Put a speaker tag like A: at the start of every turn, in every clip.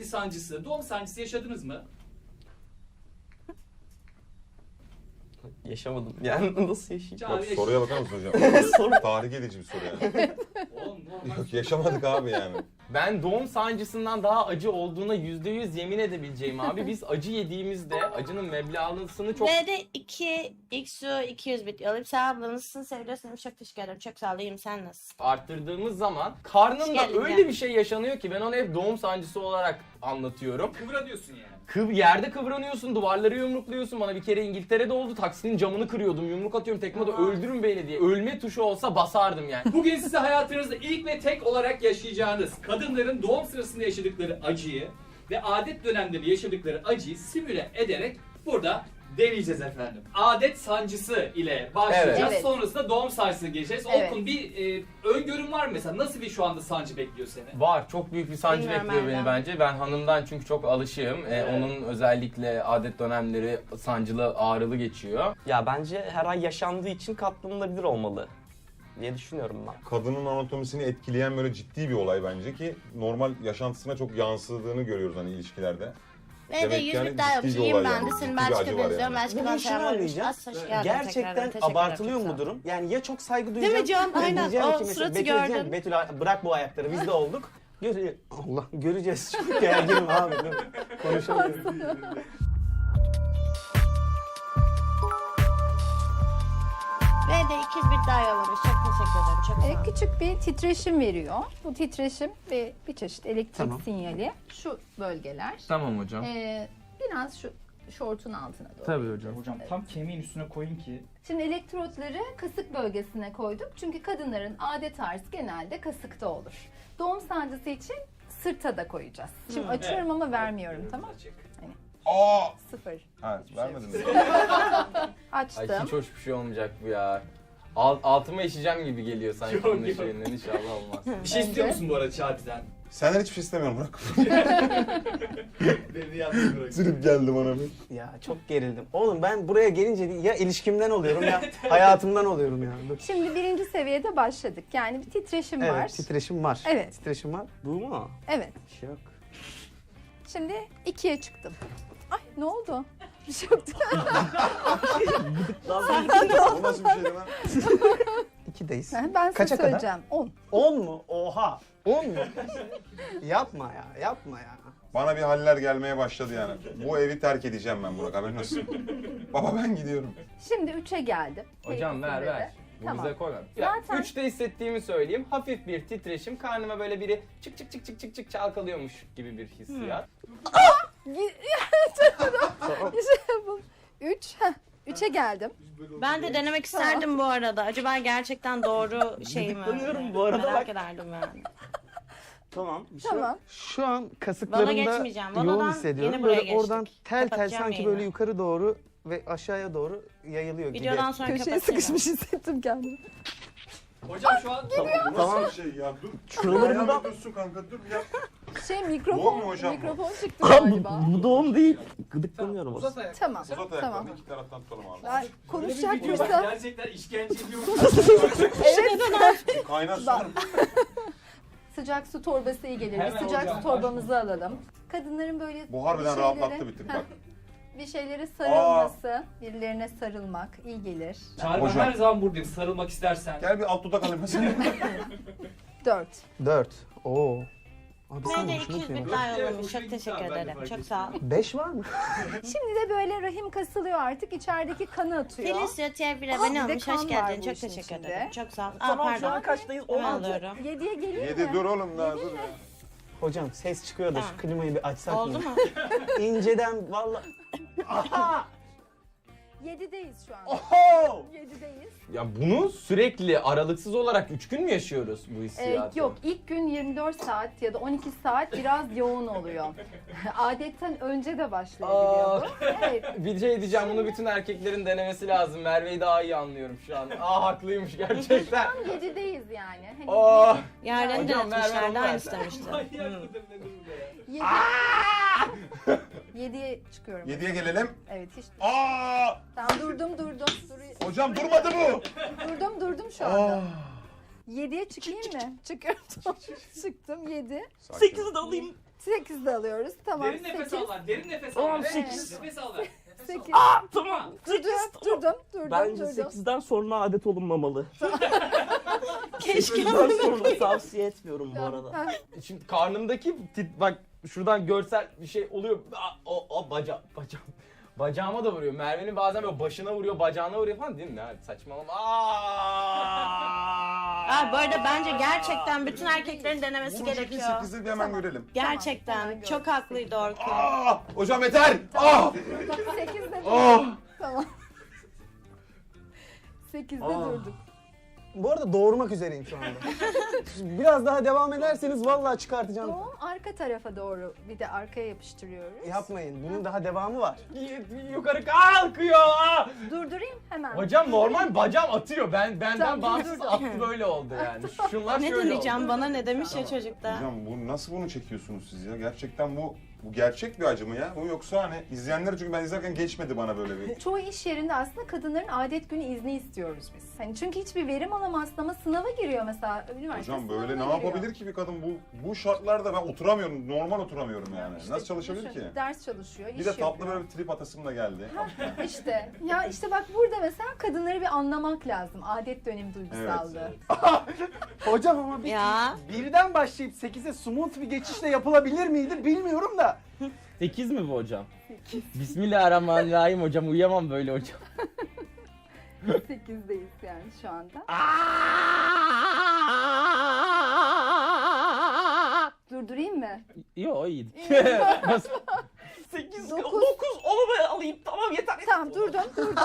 A: sürekli sancısı, doğum sancısı yaşadınız mı?
B: Yaşamadım. Yani nasıl yaşayacağım?
A: Çağrı
C: Yok, soruya bakar mısın hocam?
B: Soru.
C: Tarih edici bir soru yani.
A: Oğlum normal.
C: Yok yaşamadık abi yani.
B: Ben doğum sancısından daha acı olduğuna %100 yemin edebileceğim abi. Biz acı yediğimizde acının meblağını çok...
D: Ve de 2 XU 200 bit alayım. Sen abla nasılsın? Seviyorsun. Çok teşekkür ederim. Çok sağ olayım. Sen nasılsın?
B: arttırdığımız zaman karnımda
D: Hoş geldin
B: öyle
D: ya.
B: bir şey yaşanıyor ki ben onu hep doğum sancısı olarak anlatıyorum.
A: Kıvra diyorsun yani.
B: Yerde kıvranıyorsun, duvarları yumrukluyorsun. Bana bir kere İngiltere'de oldu. Taksinin camını kırıyordum, yumruk atıyorum tekme de öldürün beni diye. Ölme tuşu olsa basardım yani.
A: Bugün size hayatınızda ilk ve tek olarak yaşayacağınız kadınların doğum sırasında yaşadıkları acıyı ve adet dönemlerinde yaşadıkları acıyı simüle ederek burada deneyeceğiz efendim. Adet sancısı ile başlayacağız.
D: Evet.
A: Sonrasında doğum sancısına geçeceğiz.
D: Evet.
A: Orkun bir öngörün var mı mesela? Nasıl bir şu anda sancı bekliyor seni?
B: Var. Çok büyük bir sancı
D: Bilmiyorum
B: bekliyor beni
D: Erdem.
B: bence. Ben hanımdan çünkü çok alışığım. Onun özellikle adet dönemleri sancılı, ağrılı geçiyor.
E: Ya bence her ay yaşandığı için katlanılabilir olmalı diye düşünüyorum ben.
C: Kadının anatomisini etkileyen böyle ciddi bir olay bence ki normal yaşantısına çok yansıdığını görüyoruz hani ilişkilerde.
D: Ve de
C: Demek
D: 100
C: yani
D: bit daha
C: ciddi bir
D: yapacağım.
C: olay
D: Ben
C: yani.
D: de
C: Ciddi
D: seni
C: bir
D: Belçika'da
C: acı var
D: izliyorum.
C: yani.
D: Belçika'dan
E: Ben şunu
D: selam
E: anlayacağım.
D: Hoş geldin tekrardan.
E: Gerçekten
D: Teşekkür
E: abartılıyor
D: ederim.
E: mu bu durum? Yani ya çok saygı
D: Değil
E: duyacağım.
D: mi Can?
E: ya
D: Aynen.
E: diyeceğim
D: O
E: ki mesela
D: suratı
E: Betül diyeceğim
D: gördün.
E: ki Betül bırak bu ayakları biz de olduk. Allah göreceğiz. Çok gerginim abi. Dur. Konuşamıyorum.
D: Ve de 200 bit daha yollamış. Çok teşekkür ederim. Çok sağ olun.
F: Küçük bir titreşim veriyor. Bu titreşim bir çeşit elektrik
E: Tamam.
F: sinyali. Şu bölgeler.
B: Tamam hocam.
F: Biraz şu şortun altına doğru.
B: Tabii hocam.
G: Hocam tam kemiğin üstüne koyun ki.
F: Şimdi elektrotları kasık bölgesine koyduk. Çünkü kadınların adet ağrısı genelde kasıkta olur. Doğum sancısı için sırta da koyacağız. Şimdi açıyorum ama vermiyorum, tamam?
C: Aa!
F: 0.
C: Ha vermedin mi?
B: Ay
F: Açtım.
B: hiç hoş bir şey olmayacak bu ya. Altıma işeceğim gibi geliyor sanki
A: Yok,
B: bunun
A: yok.
B: şeyinden inşallah olmaz.
A: Bir şey istiyor musun bu arada Çağrı'dan?
C: Senden hiçbir şey istemiyorum bırak.
A: Beni yalnız bırak.
C: Sürüp geldi bana bir.
E: Ya çok gerildim. Oğlum ben buraya gelince ya ilişkimden oluyorum ya hayatımdan oluyorum ya. Dur.
F: Şimdi birinci seviyede başladık. Yani bir titreşim var.
E: Evet titreşim var.
F: Evet.
E: Titreşim var. Bu mu?
F: Evet.
E: Bir şey yok.
F: Şimdi 2'ye çıktım. Ay ne oldu? Bir şey yoktu.
C: O nasıl bir şeydi lan?
E: 2'deyiz.
F: Ben size
E: Kaça kadar?
F: söyleyeceğim. 10.
E: 10 mu? Oha. 10 mu? Yapma ya. Yapma ya.
C: Bana bir haller gelmeye başladı yani. Bu evi terk edeceğim ben Burak haberin olsun. Baba ben gidiyorum.
F: Şimdi 3'e geldim.
B: Hocam ver
F: Keyifli
B: ver.
F: de.
B: Bu
F: Tamam.
B: bize koyma.
F: Zaten-
B: 3'te hissettiğimi söyleyeyim. Hafif bir titreşim. Karnıma böyle biri çık çık çık çık çık çık çalkalıyormuş gibi bir hissiyat.
F: İşte bu. 3. 3'e geldim.
D: Ben de denemek isterdim bu arada. Acaba gerçekten doğru şey mi?
E: Gıdıklanıyorum bu arada,
D: Merak
E: bak.
D: ederdim yani.
E: Tamam.
F: Tamam.
E: Şu an
D: Vana
E: kasıklarımda
D: geçmeyeceğim.
E: yoğun
D: Vanadan
E: hissediyorum.
D: yeni buraya
E: Böyle oradan
D: geçtik.
E: tel tel
D: Kapatacağım
E: sanki
D: yayını.
E: böyle yukarı doğru ve aşağıya doğru yayılıyor gibi.
D: Videodan sonra
F: Köşeye
D: kapatırım.
F: sıkışmış hissettim kendimi.
A: Hocam şu an
C: Bu nasıl bir şey ya? Dur.
E: Şuralarımda...
C: dursun kanka dur ya.
F: Şey
C: Yok
F: mikrofon,
C: mu hocam bu?
F: mikrofon çıktı galiba.
E: Bu doğum değil. Gıdıklanıyorum
A: uzat
E: aslında.
A: ayak.
F: Tamam,
C: Uzat
F: tamam.
C: ayaklarını iki taraftan tutalım abi.
F: Ben
A: Öyle bir
F: konuşacak
A: video var,
F: mısın?
A: gerçekten işkence ediyor.
C: Kaynar su.
F: Sıcak su torbası iyi gelir. Bir
A: Hemen
F: sıcak
A: hocam,
F: su torbamızı alalım. Kadınların böyle
C: Bu harbiden
F: bir
C: rahatlattı bir tık bak.
F: bir şeylere sarılması, birilerine sarılmak iyi gelir.
A: Çağrı ben
C: Hocam.
A: her zaman buradayım sarılmak istersen.
C: Gel bir alt dudak alayım mesela.
F: 4.
E: 4. Oo. Abi
D: Ben
E: sen
D: de
E: hoşuma
D: 200 bit
E: gidiyor.
D: daha
A: Evet,
D: yollamış.
A: hoşuna
D: Çok
A: gitti
D: teşekkür
A: abi, ben de
D: ederim.
A: fark
D: Çok
A: ettim.
D: sağ ol.
E: 5 var mı?
F: Şimdi de böyle rahim kasılıyor artık. İçerideki kanı atıyor.
D: Felicia TF1
F: Aa,
D: abone
F: bir de
D: olmuş.
F: kan
D: Hoş
F: var
D: geldin.
F: bu
D: Çok
F: işin
D: teşekkür
F: içinde.
D: ederim. Çok sağ ol. Aa,
E: Tamam şu an
D: pardon.
E: kaçtayız?
D: Hemen
E: 16.
D: alıyorum.
F: 7'ye geleyim
C: 7
F: mi?
C: dur oğlum daha dur ya.
E: Hocam ses çıkıyor da
D: Tamam.
E: şu klimayı bir açsak
D: Oldu
E: mı?
D: mu?
E: İnceden valla. Aha!
F: 7'deyiz şu an.
E: Oho!
F: 7'deyiz.
B: Ya bunu sürekli aralıksız olarak 3 gün mü yaşıyoruz bu hissiyatı?
F: Yok, ilk gün 24 saat ya da 12 saat biraz yoğun oluyor. Adetten önce de başlayabiliyor bu. Evet.
B: Bir şey diyeceğim, bunu bütün erkeklerin denemesi lazım. Merve'yi daha iyi anlıyorum şu an. haklıymış gerçekten.
F: Tam 7'deyiz yani. Hani
B: Aa,
D: Yarın
B: Hocam, ver, ver,
D: denetmişlerdi.
B: ver.
D: Aynısı demişti.
A: Manyak mıdır nedir bu ya?
F: 7'ye çıkıyorum.
C: 7'ye gelelim.
F: Evet hiç.
C: Aa!
F: Tamam durdum.
C: Hocam durmadı bu.
F: Durdum şu anda. 7'ye çıkayım mı? Çıkıyorum. Çıktım 7.
E: 8'i de alayım.
F: 8 de alıyoruz. Tamam.
A: Derin nefes
F: 8.
A: al ver. Derin nefes al ver.
F: 18.
A: Nefes al ver. Nefes al
F: 8.
A: ver.
E: Tamam.
F: Durdum.
E: Bence 8'den sonra adet olunmamalı.
D: Keşke.
E: 8'den sonra tavsiye etmiyorum bu arada.
F: Ha,
B: Şimdi karnımdaki bak şuradan görsel bir şey oluyor. O bacağıma da vuruyor. Merve'nin bazen böyle başına vuruyor, bacağına vuruyor falan değil mi? Ya, saçmalama.
D: Bu arada bence gerçekten bütün erkeklerin denemesi
C: Bunu şekil
D: gerekiyor.
C: 8'i bir hemen görelim.
D: Gerçekten
F: Tamam,
D: çok haklıydı Orkun.
C: Hocam yeter!
F: 8 de Tamam. 8'de durduk.
E: Bu arada doğurmak üzereyim şu anda. Biraz daha devam ederseniz vallahi çıkartacağım.
F: Doğum arka tarafa doğru bir de arkaya yapıştırıyoruz.
E: Yapmayın. Bunun daha devamı var.
B: Yukarı kalkıyor.
F: Durdurayım hemen.
B: Hocam normal bacağım atıyor. Benden
F: Tamam,
B: bağımsız
F: dur.
B: attı böyle oldu yani. Şunlar
D: Ne
B: şöyle
D: deneyeceğim
B: oldu.
D: bana ne demiş ya çocuklar.
C: Hocam nasıl bunu çekiyorsunuz siz ya? Gerçekten bu gerçek bir acı mı ya? Bu yoksa hani izleyenler, çünkü ben izlerken geçmedi bana böyle bir.
F: Çoğu iş yerinde aslında kadınların adet günü izni istiyoruz biz. Hani çünkü hiçbir verim alamazsın ama sınava giriyor mesela üniversite
C: Hocam böyle
F: sınavına
C: ne
F: giriyor.
C: yapabilir ki bir kadın bu şartlarda? Ben oturamıyorum, normal oturamıyorum yani.
F: İşte
C: Nasıl çalışabilir
F: düşün,
C: ki?
F: Ders çalışıyor, iş
C: Bir de tatlı
F: yapıyor.
C: böyle bir trip atasım da geldi.
F: İşte ya işte bak burada mesela kadınları bir anlamak lazım. Adet dönemi duygusallığı.
E: Hocam ama
D: Ya.
E: birden başlayıp 8'e smooth bir geçişle yapılabilir miydi bilmiyorum da.
B: 8 mi bu hocam? 8. Bismillahirrahmanirrahim hocam. Uyuyamam böyle hocam.
F: 8'deyiz yani şu anda. Durdurayım mı?
B: Yo iyi.
E: 8,
F: 9.
E: 9 onu ben alayım. Tamam yeter.
F: Tamam durdum.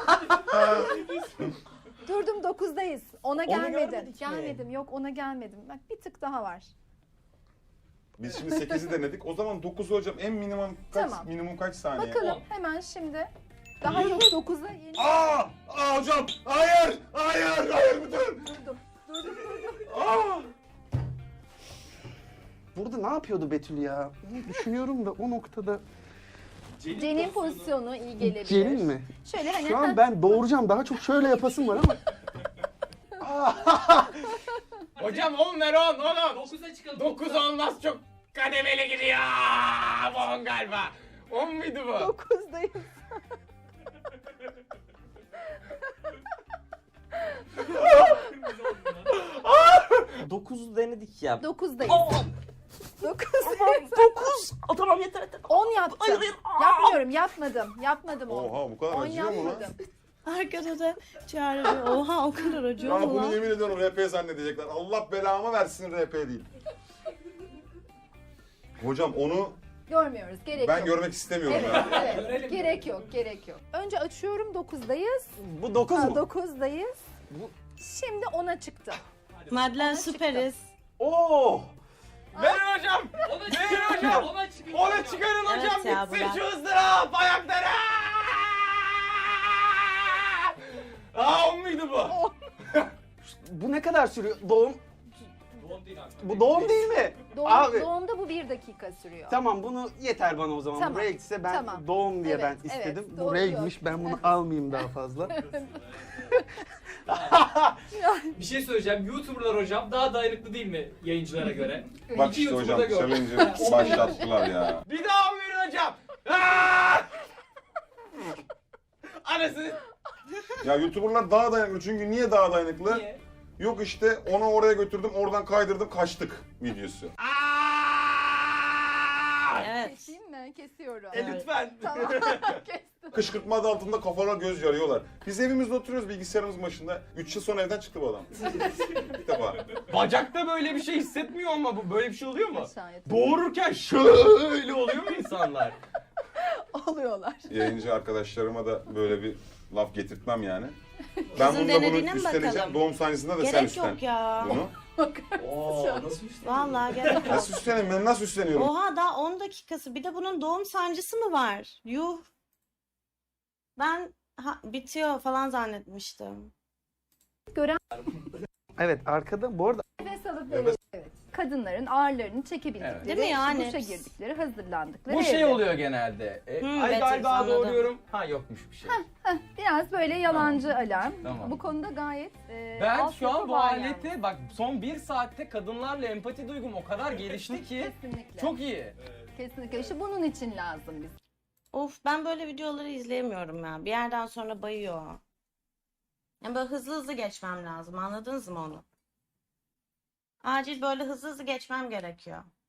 F: Durdum 9'dayız. Ona gelmedim.
E: görmedik mi?
F: Gelmedim. Yok ona gelmedim. Bak bir tık daha var.
C: Biz şimdi 8'i denedik. O zaman 9'u hocam en minimum kaç
F: Tamam.
C: minimum kaç saniye?
F: Bakalım hemen şimdi. Daha yok 9'a yeni
C: Hocam! Hayır! Lütfen!
F: durdum.
E: Burada ne yapıyordu Betül ya? Onu düşünüyorum da o noktada.
F: Cenin pozisyonu iyi gelebilir.
E: Cenin mi?
F: Şöyle hani
E: Şu an ben doğuracağım. Daha çok şöyle yapasım var ama.
B: Hocam 10 ver 10 10.
A: 9'a çıkalım.
B: 9 olmaz çok kademeli gidiyor. Bu 10 galiba. 10 muydu bu?
F: 9'dayız.
E: 9'u denedik ya.
F: 9'dayız. 9.
E: Tamam yeter.
F: 10 yaptım. Yapmadım 10.
C: Oha bu kadar
F: 10
C: acıyor mu lan?
F: yapmadım.
D: Arkada da çağırıyor. Oha o kadar acıyor
C: Ya
D: mu
C: bunu
D: lan?
C: yemin ediyorum RP zannedecekler. Allah belamı versin RP değil. Hocam onu
F: Görmüyoruz. Gerek
C: ben
F: yok.
C: görmek istemiyorum
F: Evet,
C: ya.
F: evet.
A: Görelim.
F: Gerek yok. Önce açıyorum 9'dayız.
E: Bu 9 mu?
F: 9'dayız. Şimdi 10'a çıktı.
D: Madlen
F: Ona
D: süperiz.
E: Oo!
B: Verin hocam.
A: Ona çıkın hocam. Ona çıkın.
B: Onu çıkarın
D: Evet
B: hocam.
D: ya,
B: Bitsin
D: bırak.
B: şu ızdırap ayakları. 10 muydu bu?
E: Bu ne kadar sürüyor? Doğum.
A: Doğum değil artık.
E: Bu doğum değil mi? Abi.
F: Doğumda bu 1 dakika sürüyor.
E: Tamam bunu yeter bana o zaman.
F: Tamam,
E: Bu reg ise ben
F: tamam.
E: doğum diye
F: Evet,
E: ben
F: evet,
E: istedim.
F: doğru
E: Bu regmiş ben bunu almayayım daha fazla.
A: Bir şey söyleyeceğim. YouTuber'lar hocam daha dayanıklı değil mi yayıncılara göre?
C: Bak
A: İki
C: işte hocam
A: YouTuber'da gördüm.
C: challenge'ı başlattılar ya.
B: Bir daha verin hocam. Aa! Anasını.
C: Ya YouTuber'lar daha dayanıklı, çünkü niye daha dayanıklı?
A: Niye?
C: Yok işte onu oraya götürdüm, oradan kaydırdım, kaçtık videosu.
D: Evet.
F: Keseyim mi? Kesiyorum.
B: Lütfen.
F: Tamam. Kestim.
C: Kışkırtma adı altında kafalar göz yarıyorlar. Biz evimizde oturuyoruz bilgisayarımız başında. 3 yıl sonra evden çıktı bu adam. İlk defa.
B: Bacakta böyle bir şey hissetmiyor ama bu böyle bir şey oluyor mu?
F: Aşağıya
B: Doğururken şöyle oluyor mu insanlar?
F: alıyorlar.
C: Yayıncı arkadaşlarıma da böyle bir laf getirtmem yani. Ben
D: Kızın
C: bunu da
D: denediğine
C: bunu
D: mi bakalım?
C: üstleneceğim. Doğum sahnesinde de sen
D: Gerek
C: üstlen.
D: yok ya.
C: Bunu.
A: Oo nasıl bir şey?
D: Vallahi gerek yok.
C: Nasıl üstleneyim? Ben nasıl üstleniyorum?
D: Oha daha 10 dakikası. Bir de bunun doğum sancısı mı var? Yuh. Ben bitiyor falan zannetmiştim.
E: Evet arkada bu arada
F: Nefes alıp böyle. Evet. Kadınların ağırlarını çekebildikleri,
B: Evet.
D: Değil mi yani?
F: duşa girdikleri, hazırlandıkları
B: Bu şey
F: evde.
B: oluyor genelde. Ay
D: Betül,
B: galiba
D: anladım.
B: doğuruyorum. Ha yokmuş bir şey.
F: Biraz böyle yalancı alarm.
B: Tamam.
F: Bu konuda gayet
B: Ben şu
F: altyapı
B: an bu
F: var
B: alete
F: yani.
B: bak son 1 saatte kadınlarla empati duygum o kadar gelişti ki
F: Kesinlikle.
B: çok iyi.
A: Evet.
F: Kesinlikle işte bunun için lazım bize.
D: Of, ben böyle videoları izleyemiyorum ya. Bir yerden sonra bayıyor. Yani böyle hızlı hızlı geçmem lazım. Anladınız mı onu? Acil böyle hızlı hızlı geçmem gerekiyor.